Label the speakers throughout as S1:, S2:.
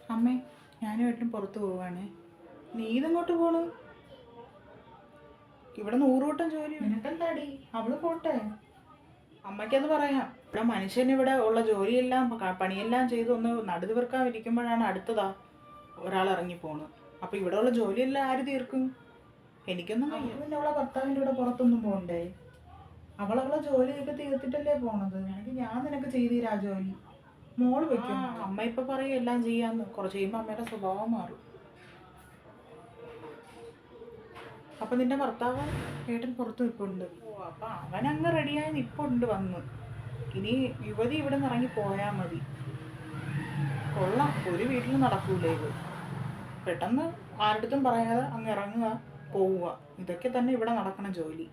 S1: അമ്മേ ഞാനുമായിട്ടും പുറത്ത് പോവാണേ. നീ ഇതെങ്ങോട്ട് പോണു? ഇവിടെ 100 വട്ടം ജോലി. നിനക്കെന്താടി? അവള് പോട്ടെ, അമ്മയ്ക്കത് പറയാം. ഇവിടെ മനുഷ്യന് ഇവിടെ ഉള്ള ജോലിയെല്ലാം പണിയെല്ലാം ചെയ്ത് ഒന്ന് നടുതീർക്കാൻ ഇരിക്കുമ്പോഴാണ് അടുത്തതാ ഒരാൾ ഇറങ്ങി പോണു. അപ്പം ഇവിടെ ഉള്ള ജോലിയെല്ലാം ആര് തീർക്കും? എനിക്കൊന്നും പിന്നെ അവളെ ഭർത്താവിൻ്റെ കൂടെ പുറത്തൊന്നും പോകണ്ടേ? അവളവളെ ജോലിയൊക്കെ തീർത്തിട്ടല്ലേ പോണത്. എനിക്ക് ഞാൻ നിനക്ക് ചെയ്തീരാ ജോലി. മോള് വെക്കും. അമ്മ ഇപ്പൊ പറയും എല്ലാം ചെയ്യാന്ന്. കുറച്ച് കഴിയുമ്പോൾ അമ്മയുടെ സ്വഭാവം മാറും. അപ്പൊ നിന്റെ ഭർത്താവ് ഏട്ടൻ പുറത്ത് നിൽപ്പുണ്ട്. ഓ അപ്പൊ അവൻ അങ്ങ് റെഡിയായി നിൽപ്പുണ്ട് വന്ന്. ഇനി യുവതി ഇവിടെ നിന്ന് ഇറങ്ങി പോയാൽ മതി. കൊള്ളാം, ഒരു വീട്ടിൽ നടക്കൂലേ ഇത്. പെട്ടെന്ന് ആരുടെടുത്തും പറയാതെ അങ്ങ് ഇറങ്ങുക, പോവുക, ഇതൊക്കെ തന്നെ ഇവിടെ നടക്കണ ജോലി.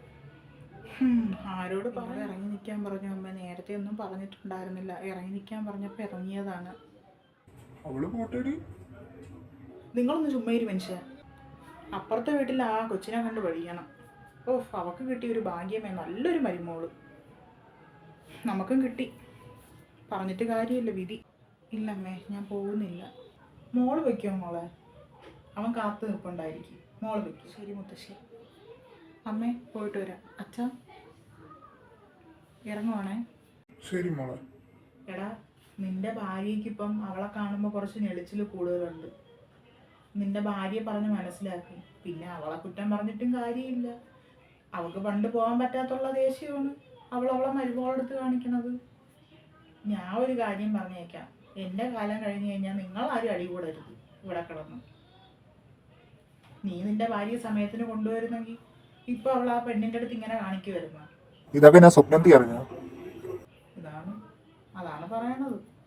S1: ആരോട് പറഞ്ഞു ഇറങ്ങി നിൽക്കാൻ പറഞ്ഞു? അമ്മ നേരത്തെ ഒന്നും പറഞ്ഞിട്ടുണ്ടായിരുന്നില്ല. ഇറങ്ങി നിൽക്കാൻ പറഞ്ഞപ്പോൾ ഇറങ്ങിയതാണ്. നിങ്ങളൊന്ന് ചുമ്മാ മനുഷ്യ. അപ്പുറത്തെ വീട്ടിൽ ആ കൊച്ചിനെ കണ്ട് പഠിക്കണം. ഓ അവക്ക് കിട്ടിയൊരു ഭാഗ്യമേ, നല്ലൊരു മരുമോള്. നമുക്കും കിട്ടി, പറഞ്ഞിട്ട് കാര്യമില്ല, വിധി. ഇല്ലമ്മേ ഞാൻ പോകുന്നില്ല. മോള് വയ്ക്കുമോ മോളെ? അവൻ കാത്തു നിൽപ്പുണ്ടായിരിക്കും. മോള് വയ്ക്കും. ശരി മുത്തശ്ശി. അമ്മേ പോയിട്ട് വരാം. അച്ഛാ ഇറങ്ങുവാണേ.
S2: ശരി മോളെ.
S1: എടാ നിന്റെ ഭാര്യയ്ക്കിപ്പം അവളെ കാണുമ്പോൾ കുറച്ച് ഞെളിച്ചിൽ കൂടുതലുണ്ട്. നിന്റെ ഭാര്യയെ പറഞ്ഞ് മനസ്സിലാക്കും. പിന്നെ അവളെ കുറ്റം പറഞ്ഞിട്ടും കാര്യമില്ല. അവൾക്ക് പണ്ട് പോകാൻ പറ്റാത്തുള്ള ദേഷ്യമാണ് അവളെ മരുമോളെടുത്ത് കാണിക്കണത്. ഞാൻ ഒരു കാര്യം പറഞ്ഞേക്കാം, എൻ്റെ കാലം കഴിഞ്ഞ് കഴിഞ്ഞാൽ നിങ്ങളാരും അടി കൂടരുത് ഇവിടെ കിടന്ന്. നീ നിന്റെ ഭാര്യയെ സമയത്തിന് കൊണ്ടുവരുന്നെങ്കിൽ ഇപ്പൊ അവൾ ആ പെണ്ണിൻ്റെ അടുത്ത് ഇങ്ങനെ കാണിക്കുമായിരുന്നു.
S2: ഇതൊക്കെ ഞാൻ സ്വപ്നത്തിൽ അറിഞ്ഞു.
S1: അതാണ് പറയണത്.